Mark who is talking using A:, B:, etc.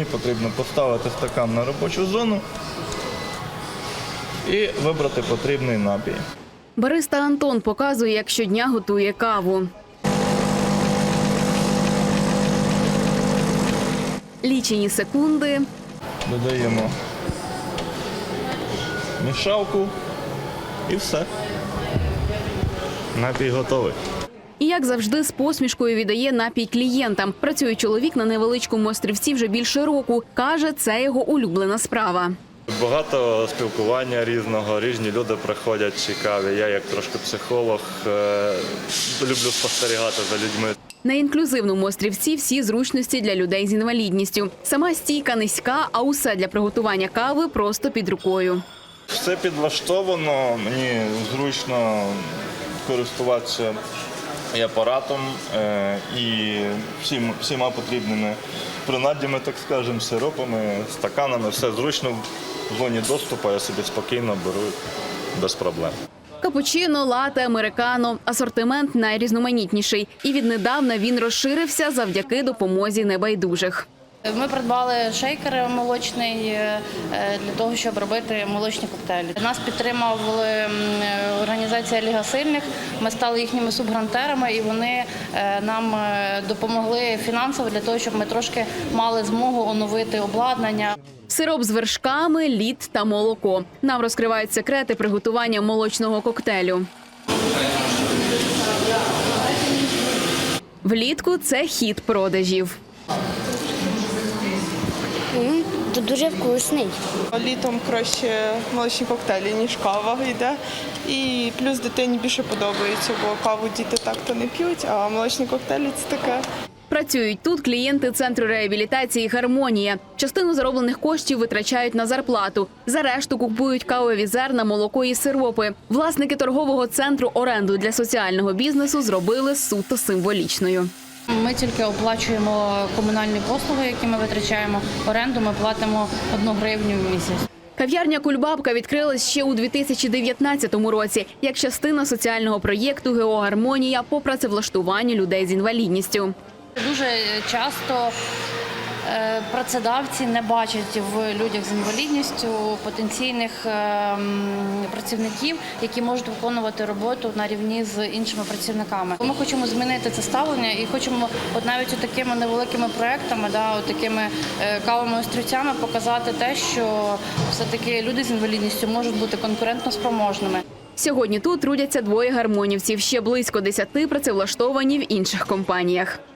A: мені потрібно поставити стакан на робочу зону і вибрати потрібний напій.
B: Бариста Антон показує, як щодня готує каву. Лічені секунди.
A: Додаємо мішалку і все. Напій готовий.
B: І, як завжди, з посмішкою віддає напій клієнтам. Працює чоловік на невеличкому острівці вже більше року. Каже, це його улюблена справа.
A: Багато спілкування різного, різні люди приходять цікаві. Я як трошки психолог люблю спостерігати за людьми.
B: На інклюзивному острівці всі зручності для людей з інвалідністю. Сама стійка низька, а усе для приготування кави просто під рукою.
A: Все підлаштовано, мені зручно користуватися і апаратом, і всіма потрібними принаддями, так скажемо, сиропами, стаканами. Все зручно в зоні доступу, я собі спокійно беру без проблем.
B: Капучино, лате, американо – асортимент найрізноманітніший. І віднедавна він розширився завдяки допомозі небайдужих.
C: Ми придбали шейкер молочний для того, щоб робити молочні коктейлі. Нас підтримувала організація Ліга сильних, ми стали їхніми субгрантерами і вони нам допомогли фінансово для того, щоб ми трошки мали змогу оновити обладнання.
B: Сироп з вершками, лід та молоко. Нам розкривають секрети приготування молочного коктейлю. Влітку це хід продажів.
D: Тут дуже вкусний.
E: Літом краще молочні коктейлі, ніж кава йде. І плюс дитині більше подобається, бо каву діти так-то не п'ють, а молочні коктейлі – це таке.
B: Працюють тут клієнти центру реабілітації «Гармонія». Частину зароблених коштів витрачають на зарплату. За решту купують кавові зерна, молоко і сиропи. Власники торгового центру оренду для соціального бізнесу зробили суто символічною.
C: Ми тільки оплачуємо комунальні послуги, які ми витрачаємо. Оренду ми платимо 1 гривню в місяць.
B: Кав'ярня «Кульбабка» відкрилась ще у 2019 році як частина соціального проєкту «ГО Гармонія» по працевлаштуванню людей з інвалідністю.
C: Дуже часто працедавці не бачать в людях з інвалідністю потенційних працівників, які можуть виконувати роботу на рівні з іншими працівниками. Ми хочемо змінити це ставлення і хочемо навіть такими невеликими проєктами, такими кавовими острівцями показати те, що все-таки люди з інвалідністю можуть бути конкурентно спроможними.
B: Сьогодні тут трудяться 2 гармонівців, ще близько 10 працевлаштовані в інших компаніях.